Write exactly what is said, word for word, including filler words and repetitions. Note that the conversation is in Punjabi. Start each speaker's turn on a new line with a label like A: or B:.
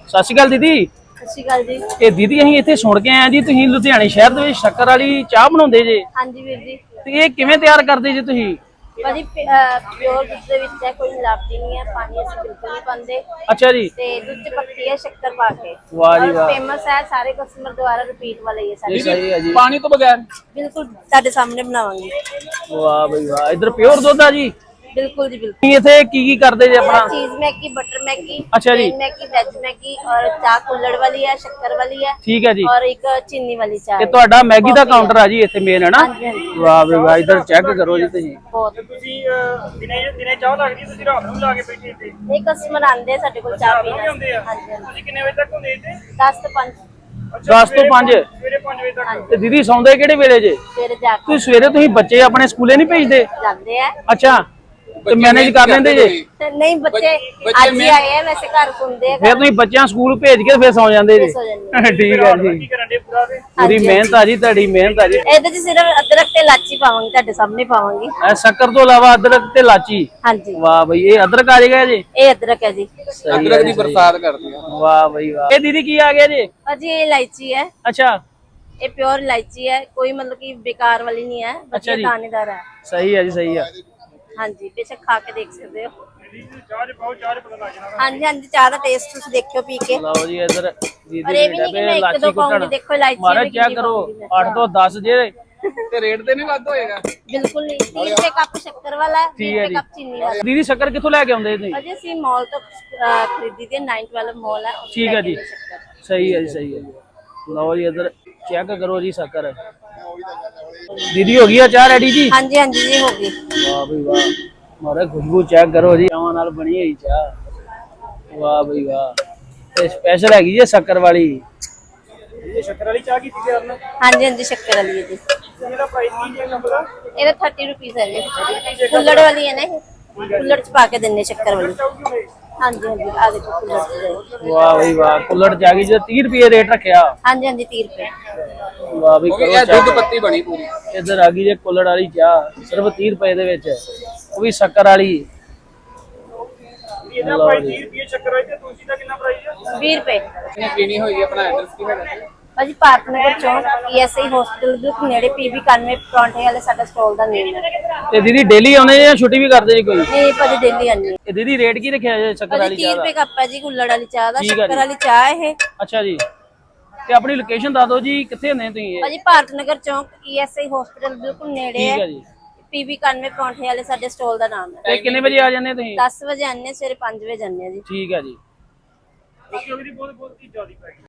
A: ਸਤਿ ਸ਼੍ਰੀ ਅਕਾਲ ਦੀਦੀ।
B: ਸਤਿ ਸ਼੍ਰੀ ਅਕਾਲ ਜੀ।
A: ਇਹ ਦੀਦੀ ਅਸੀਂ ਇੱਥੇ ਸੁਣ ਕੇ ਆਏ ਜੀ ਤੁਸੀਂ ਲੁਧਿਆਣੇ ਸ਼ਹਿਰ ਦੇ ਵਿੱਚ ਸ਼ੱਕਰ ਵਾਲੀ ਚਾਹ ਬਣਾਉਂਦੇ ਜੇ,
B: ਹਾਂਜੀ ਵੀਰ ਜੀ।
A: ਤੇ ਇਹ ਕਿਵੇਂ ਤਿਆਰ ਕਰਦੇ ਜੇ ਤੁਸੀਂ?
B: ਭਾਜੀ ਪਿਓਰ ਦੁੱਧ ਦੇ ਵਿੱਚ ਹੈ, ਕੋਈ ਮਿਲਾਵਟੀ ਨਹੀਂ ਹੈ, ਪਾਣੀ ਅਸੀਂ ਬਿਲਕੁਲ ਨਹੀਂ ਪਾਉਂਦੇ।
A: ਅੱਛਾ ਜੀ।
B: ਤੇ ਦੁੱਧ ਚ ਪੱਤੀ ਹੈ ਸ਼ੱਕਰ ਪਾ ਕੇ।
A: ਵਾਹ ਜੀ ਵਾਹ।
B: ਫੇਮਸ ਹੈ, ਸਾਰੇ ਕਸਟਮਰ ਦੁਆਰਾ ਰਿਪੀਟ ਵਾਲਾ ਹੀ ਹੈ ਸਾਡੇ।
A: ਸਹੀ ਹੈ ਜੀ।
C: ਪਾਣੀ ਤੋਂ ਬਗੈਰ
B: ਬਿਲਕੁਲ ਤੁਹਾਡੇ ਸਾਹਮਣੇ ਬਣਾਵਾਂਗੇ।
A: ਵਾਹ ਬਈ ਵਾਹ। ਇਧਰ ਪਿਓਰ ਦੁੱਧ ਆ ਜੀ।
B: ਬਿਲकुल जी बिल्कुल।
A: ਤੁਸੀਂ ਇੱਥੇ ਕੀ ਕੀ ਕਰਦੇ ਜੇ ਆਪਣਾ?
B: चीज मैगी, बटर मैगी,
A: अच्छा जी।
B: मैगी, वेज मैगी और चाह कुल्हड़ वाली है, शक्कर वाली है।
A: ठीक है जी।
B: और एक चीनी वाली चाय।
A: ਇਹ ਤੁਹਾਡਾ ਮੈਗੀ ਦਾ ਕਾਊਂਟਰ ਆ ਜੀ ਇੱਥੇ ਮੇਨ ਹੈ ਨਾ?
B: ਹਾਂਜੀ ਹਾਂਜੀ।
A: ਵਾਹ ਬਈ ਵਾਹ। ਇਧਰ ਚੈੱਕ ਕਰੋ ਜੀ ਤੁਸੀਂ।
B: ਬਹੁਤ
D: ਤੁਸੀਂ ਦਿਨੇ ਦਿਨੇ ਚਾਹ ਲੱਗਦੀ ਤੁਸੀਂ ਰਾਤ ਨੂੰ ਲਾ ਕੇ ਬੈਠੇ ਇੱਥੇ
B: ਨਹੀਂ ਕਸਟਮਰ ਆਂਦੇ ਸਾਡੇ ਕੋਲ ਚਾਹ ਪੀਣ
D: ਹੁੰਦੇ ਆ।
B: ਹਾਂਜੀ ਹਾਂਜੀ।
D: ਤੁਸੀਂ ਕਿੰਨੇ ਵਜੇ ਤੱਕ ਹੁੰਦੇ ਇੱਥੇ?
B: ਦਸ ਤੋਂ ਪੰਜ
A: ਦਸ ਤੋਂ ਪੰਜ।
D: ਸਵੇਰੇ ਪੰਜ ਵਜੇ ਤੱਕ।
A: ਤੇ ਦੀਦੀ ਸੌਂਦੇ ਕਿਹੜੇ ਵੇਲੇ ਜੇ?
B: ਸਵੇਰੇ ਜਾ ਕੇ
A: ਤੁਸੀਂ ਸਵੇਰੇ ਤੁਸੀਂ ਬੱਚੇ ਆਪਣੇ ਸਕੂਲੇ ਨਹੀਂ ਭੇਜਦੇ?
B: ਜਾਂਦੇ ਆ।
A: ਅੱਛਾ, ਤੇ ਮੈਨੇਜ ਕਰ ਲੈਂਦੇ ਜੇ?
B: ਤੇ ਨਹੀਂ ਬੱਚੇ ਅੱਜ ਹੀ ਆਏ ਆ, ਵੈਸੇ ਘਰ ਸੁਣਦੇ ਆ।
A: ਫਿਰ ਤੁਸੀਂ ਬੱਚਿਆਂ ਸਕੂਲ ਭੇਜ ਕੇ ਫਿਰ ਸੌ ਜਾਂਦੇ ਜੀ?
B: ਸੌ ਜਾਂਦੇ
A: ਠੀਕ ਹੈ
D: ਕੀ
A: ਜੀ।
D: ਕਰਨ ਦੇ ਪੂਰਾ ਤੇ
A: ਪੂਰੀ ਮਿਹਨਤ ਆ ਜੀ ਤੁਹਾਡੀ, ਮਿਹਨਤ ਆ ਜੀ।
B: ਇਹਦੇ ਚ ਸਿਰਫ ਅਦਰਕ ਤੇ ਇਲਾਚੀ ਪਾਵਾਂਗੇ, ਤੁਹਾਡੇ ਸਾਹਮਣੇ ਪਾਵਾਂਗੇ।
A: ਇਹ ਸ਼ੱਕਰ ਤੋਂ ਇਲਾਵਾ ਅਦਰਕ ਤੇ ਲਾਚੀ।
B: ਹਾਂਜੀ
A: ਵਾਹ ਬਈ, ਇਹ ਅਦਰਕ ਆ ਜਾਏਗਾ ਜੀ?
B: ਇਹ ਅਦਰਕ ਹੈ ਜੀ।
C: ਅਦਰਕ ਦੀ ਬਰਸਾਤ ਕਰਦੇ ਆ।
A: ਵਾਹ ਬਈ ਵਾਹ। ਇਹ ਦੀਦੀ ਕੀ ਆ ਗਿਆ ਜੀ?
B: ਭਾਜੀ ਇਹ ਇਲਾਇਚੀ ਹੈ,
A: ਅੱਛਾ,
B: ਇਹ प्योर इलायची है, कोई मतलब कि बेकार वाली नहीं है,
A: अच्छा
B: बढ़िया
A: जी।
B: दानेदार है।
A: ਸਹੀ ਹੈ ਜੀ, ਸਹੀ ਹੈ।
B: हाँ जी, बेशक खा के देख सकते हो।
D: ਚਾਹ ਚ ਪਾਓ, ਚਾਹ ਚ ਪਤਾ ਲੱਗ ਜਾਣਾ।
B: हाँ जी हाँ जी, चाह का टेस्ट तुम देखो पी के।
A: ਲਓ ਜੀ ਇਧਰ ਦੀਦੀ
B: और ये भी नहीं कि मैं एक दो पाऊंगी, देखो इलायची
A: ਮਾਰਾ
B: में
A: ਚੈੱਕ
B: कितनी
A: ਕਰੋ।
B: पाऊंगी मैं।
A: ਅੱਠ ਤੋਂ ਦਸ ਜੇ।
C: ਤੇ ਰੇਟ ਤੇ ਨਹੀਂ ਵੱਧ ਹੋਏਗਾ?
B: बिल्कुल नहीं, तीस रुपए कप शक्कर वाला है,
A: ठीक
B: बीस
A: है
B: रुपए
A: जी।
B: कप चीनी वाला।
A: ਦੀਦੀ ਸ਼ੱਕਰ ਕਿੱਥੋਂ ਲੈ ਕੇ ਆਉਂਦੇ ਤੁਸੀਂ?
B: अजय सी मॉल तो अ, खरीदी थी, नाइन ट्वेल्व मॉल है। उससे
A: ठीक है
B: लेके
A: जी।
B: गए शक्कर।
A: ਸਹੀ ਹੈ ਜੀ, ਸਹੀ ਹੈ ਜੀ। ਲਓ ਜੀ ਇਧਰ ਚੈੱਕ ਕਰੋ ਜੀ ਸ਼ੱਕਰ। ਦੀਦੀ ਹੋ ਗਈ ਆ ਚਾਹ ਰੈਡੀ ਜੀ?
B: हाँ जी हाँ जी जी होगी।
A: ਵਾਹ ਬਈ ਵਾਹ। ਮਾਰੇ ਖੁਸ਼ਬੂ ਚੈੱਕ ਕਰੋ ਜੀ, ਚਾਵਾਂ ਨਾਲ ਬਣੀ ਹੋਈ ਚਾਹ। ਵਾਹ ਬਈ ਵਾਹ। ਤੇ ਸਪੈਸ਼ਲ ਹੈਗੀ ਜੀ ਸ਼ੱਕਰ ਵਾਲੀ।
D: ਇਹ ਸ਼ੱਕਰ ਵਾਲੀ ਚਾਹ ਕੀਤੀ ਤਿਆਰ ਨਾ?
B: हाँ जी हाँ जी शक्कर वाली है जी।
D: ਇਹਦਾ ਪ੍ਰਾਈਸ ਕੀ ਹੈ ਕੱਪ ਦਾ?
B: ये थर्टी रुपीज है जी। कुल्हड़ वाली है ना ये? कुल्हड़ च पा के देने शक्कर वाली। हाँ जी हाँ जी, आ देखो कुल्हड़ च दे।
A: ਵਾਹ ਬਈ ਵਾਹ। ਕੁੱਲੜ ਚ ਆ ਗਈ ਜੀ। ਤੀਹ ਰੁਪਏ ਰੇਟ ਰੱਖਿਆ।
B: हाँ जी हाँ जी, तीस रुपए।
A: ਵਾਹ ਬਈ
C: ਉਹ ਵੀ
A: ਕਰੋ
C: ਇਹ ਦੁੱਧ
A: check।
C: ਪੱਤੀ ਬਣੀ ਪੂਰੀ।
A: ਇੱਧਰ ਆ ਗਈ ਜੇ ਕੁੱਲੜ ਵਾਲੀ ਚਾਹ, ਸਿਰਫ ਤੀਹ ਰੁਪਏ ਦੇ ਵਿੱਚ, ਉਹ ਵੀ ਸ਼ੱਕਰ ਵਾਲੀ।
D: ਇਹਦਾ ਪ੍ਰਾਈਸ ਤੀਹ ਰੁਪਏ ਸ਼ੱਕਰ ਵਾਲੀ ਤੇ ਤੁਸੀਂ ਦਾ ਕਿੰਨਾ ਪ੍ਰਾਈਸ ਹੈ?
B: बीस रुपए।
C: ਇਹਨੇ ਪੀਣੀ ਹੋਈ ਆਪਣਾ ਐਡਰੈਸ ਕੀ ਹੈਗਾ?
B: ਭਾਜੀ ਭਾਰਤ ਨਗਰ ਚੌਂਕ ਈਐਸਆਈ ਹਸਪੀਟਲ ਦੇ ਨੇੜੇ ਪੀਬੀ ਇਕਾਨਵੇਂ ਪਰੌਂਠੇ ਵਾਲੇ ਸਾਡਾ ਸਟਾਲ ਦਾ ਨੇਮ ਹੈ।
A: ਤੇ ਦੀਦੀ ਡੇਲੀ ਆਉਂਦੇ ਜਾਂ ਛੁੱਟੀ ਵੀ ਕਰਦੇ ਜੀ ਕੋਈ?
B: ਨਹੀਂ ਭਾਜੀ ਦਿੱਲੀ ਆਨੀ।
A: ਇਹ ਦੀਦੀ ਰੇਟ ਕੀ ਰੱਖਿਆ ਜੇ ਸ਼ੱਕਰ
B: ਭਾਜੀ
A: ਵਾਲੀ
B: तीस
A: ਚਾਹ
B: रुपए
A: ਦਾ?
B: ਕੱਪ ਹੈ ਜੀ ਕੁੱਲੜ ਵਾਲੀ ਚਾਹ ਦਾ।
A: ਠੀਕ ਹੈ
B: ਸ਼ੱਕਰ
A: ਜੀ।
B: ਵਾਲੀ ਚਾਹ ਇਹ।
A: ਅੱਛਾ ਜੀ। ਤੇ ਆਪਣੀ ਲੋਕੇਸ਼ਨ ਦੱਸ ਦਿਓ ਜੀ, ਕਿੱਥੇ ਹੁੰਦੇ ਤੁਸੀਂ ਇਹ?
B: ਭਾਜੀ ਭਾਰਤ ਨਗਰ ਚੌਂਕ ਈਐਸਆਈ ਹਸਪੀਟਲ ਬਿਲਕੁਲ ਨੇੜੇ
A: ਠੀਕ ਹੈ
B: ਹੈ।
A: ਜੀ।
B: ਪੀਬੀ ਇਕਾਨਵੇਂ ਪਰੌਂਠੇ ਵਾਲੇ ਸਾਡੇ ਸਟਾਲ ਦਾ ਨਾਮ ਹੈ।
A: ਤੇ ਕਿੰਨੇ ਵਜੇ ਆ ਜਾਂਦੇ ਤੁਸੀਂ?
B: ਦਸ ਵਜੇ ਆਨੇ, ਸਵੇਰੇ ਪੰਜ ਵਜੇ ਜਾਂਦੇ ਆ ਜੀ।
A: ਠੀਕ ਹੈ ਜੀ।
D: ਕਿਉਂਕਿ ਉਹਦੀ ਬਹੁਤ ਬਹੁਤ ਚੀਜ਼ਾਂ ਦੀ ਪ੍ਰਾਈਸ